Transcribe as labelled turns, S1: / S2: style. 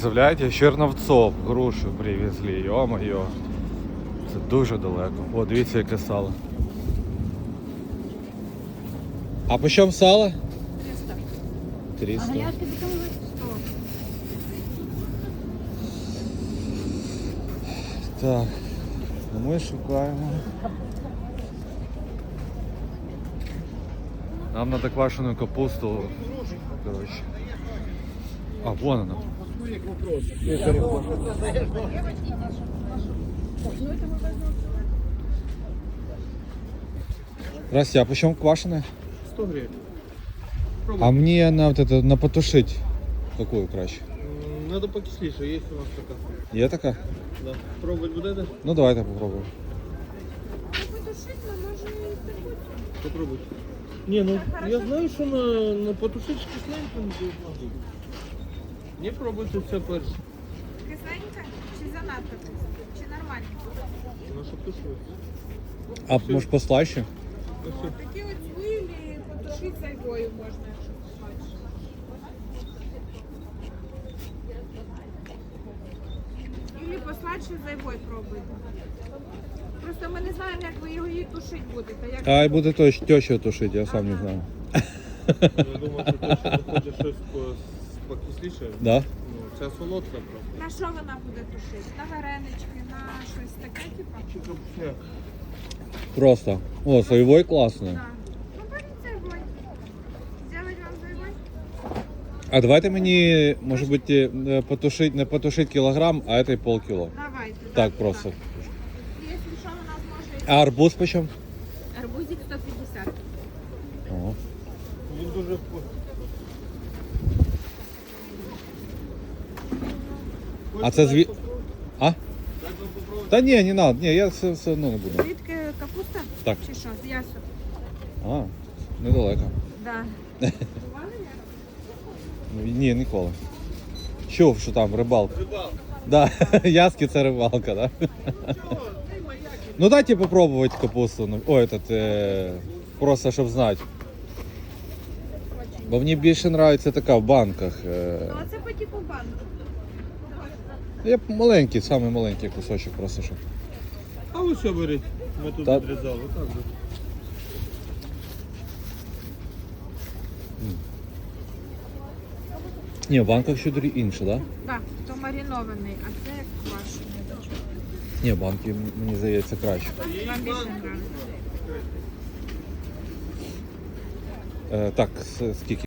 S1: Представляєте, з Черновцов грушу привезли, йо-моє. Це дуже далеко. О, дивіться, яке сало. А по чому сало?
S2: 300.
S1: 300.
S2: А галяшки потім 100.
S1: Так, ми шукаємо. Нам надо квашеную капусту. Короче. А, вон она. Здрасте, а почем квашеная?
S3: 100 гривен.
S1: А мне на вот это, на потушить. Какую краще?
S3: Надо покисліше, є у нас така.
S1: Є така?
S3: Да. Пробувати будете?
S1: Ну давайте попробуем.
S3: Попробуйте. Не, ну я знаю, що на потушить кисленько не буде. Не пробуйте все перше.
S4: Кисленька чи занадто кисленька? Чи нормально?
S3: Ну, щоб тушилось.
S1: А може послаще?
S4: Такі от хвилі потушити зайвою можна, якщо хочеш. Ілі посладше зайвою пробуйте. Просто ми не знаємо, як ви його її тушити будете. Як...
S1: А буде теща тушить, я сам не знаю.
S3: Я думаю, що ти ще хочеш щось покисліше.
S1: Да?
S3: Ну, це солодка просто.
S4: На що вона буде тушити? На варенички, на щось таке, типу?
S3: Чи капусняк.
S1: Просто. О, соевой классный.
S4: Так. Ну, беріть зайвою. Зробити вам зайвою?
S1: А давайте мені, може бути, потушить, не потушить кілограм, а этой полкіло.
S4: Давайте.
S1: Так просто.
S4: Якщо що, у нас може
S1: А арбуз почем?
S4: арбузик 150.
S1: О.
S3: Він дуже вкусний.
S1: А це зві... А? Та ні, не надо. Ні, я все одно не буду.
S4: Звідки капуста?
S1: Так.
S4: Чи що? З ясу?
S1: А, недалеко.
S4: Да.
S1: Ні, ніколи. Чув, що там рибалка.
S3: Рибалка.
S1: Да, яски це рибалка, да? Ну дайте попробовать капусту. Ну, ой, этот, просто щоб знати. Бо мені більше подобається така в банках.
S4: Ну, а це по типу банку.
S1: Я маленький, самий маленький кусочок просто щоб.
S3: А ви що беріть? Ми тут
S1: Та-
S3: відрізали. Так же.
S1: Ні, в банках ще інше, да?
S4: Так, то маринований, а це квашений.
S1: Ні, банки, мені здається, краще.
S4: Вам більше нравиться?
S1: Так, скільки?